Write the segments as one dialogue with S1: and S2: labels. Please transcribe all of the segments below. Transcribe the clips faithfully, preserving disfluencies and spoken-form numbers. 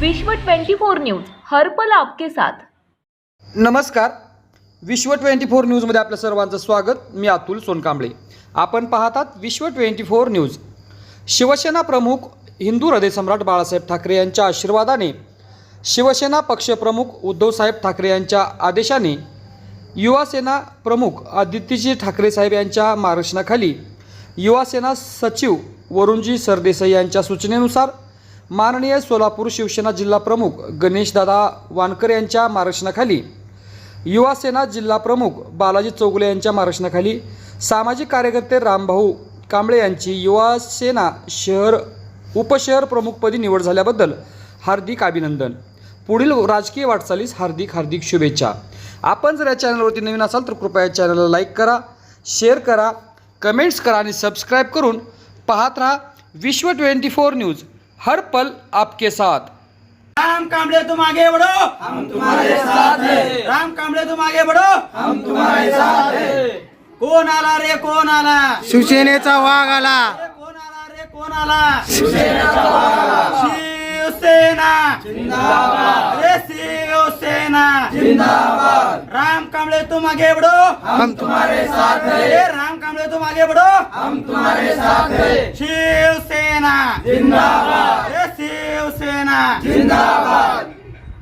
S1: विश्व twenty four news हर पल आपके साथ।
S2: नमस्कार, विश्व ट्वेंटी फोर न्यूजमध्ये आपल्या सर्वांचं स्वागत। मी अतुल सोनकांबळे। आपण पाहतात विश्व ट्वेंटी फोर न्यूज। शिवसेना प्रमुख हिंदू हृदयसम्राट बाळासाहेब ठाकरे यांच्या आशीर्वादाने, शिवसेना पक्षप्रमुख उद्धवसाहेब ठाकरे यांच्या आदेशाने, युवासेना प्रमुख आदित्यजी ठाकरे साहेब यांच्या मार्गदर्शनाखाली, युवासेना सचिव वरुणजी सरदेसाई यांच्या सूचनेनुसार, माननीय सोलापूर शिवसेना जिल्हा प्रमुख गणेशदादा वानकर यांच्या मार्गदर्शनाखाली, युवासेना जिल्हा प्रमुख बालाजी चौगुले यांच्या मार्गदर्शनाखाली, सामाजिक कार्यकर्ते रामभाऊ कांबळे यांची युवासेना शहर उपशहर प्रमुखपदी निवड झाल्याबद्दल हार्दिक अभिनंदन। पुढील राजकीय वाटचालीस हार्दिक हार्दिक शुभेच्छा। आपण जर या चॅनलवरती नवीन असाल तर कृपया या चॅनलला लाईक करा, शेअर करा, कमेंट्स करा आणि सबस्क्राईब करून पाहत रहा विश्व ट्वेंटी फोर न्यूज, हर पल आपके साथ।
S3: राम कांबळे तुम आगे बढ़ो, हम तुम्हारे साथ हैं। राम कांबळे तुम आगे बढ़ो, हम तुम्हारे साथ हैं। कोण आला रे कोण आला?
S4: शिवसेनेचा वाघ आला।
S3: अरे कोण आला रे कोण आला? शिवसेनेचा वाघ आला। शिवसेना जिंदाबाद। अरे शिवसेना जिंदाबाद। राम कांबळे तुम आगे बढ़ो,
S4: हम तुम्हारे साथ हैं।
S3: अरे राम कांबळे तुम आगे बढ़ो, हम तुम्हारे साथ हैं। शिवसेना जिंदाबाद। अरे शिवसेना जिंदाबाद।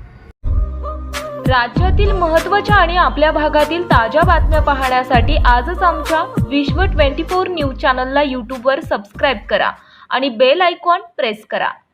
S1: राज्यातील महत्त्वाच्या आणि आपल्या भागातील ताज्या बातम्या पाहण्यासाठी आजच आमच्या विश्व ट्वेंटी फोर न्यूज चॅनलला यूट्यूबवर सबस्क्राईब करा आणि बेल आयकॉन प्रेस करा।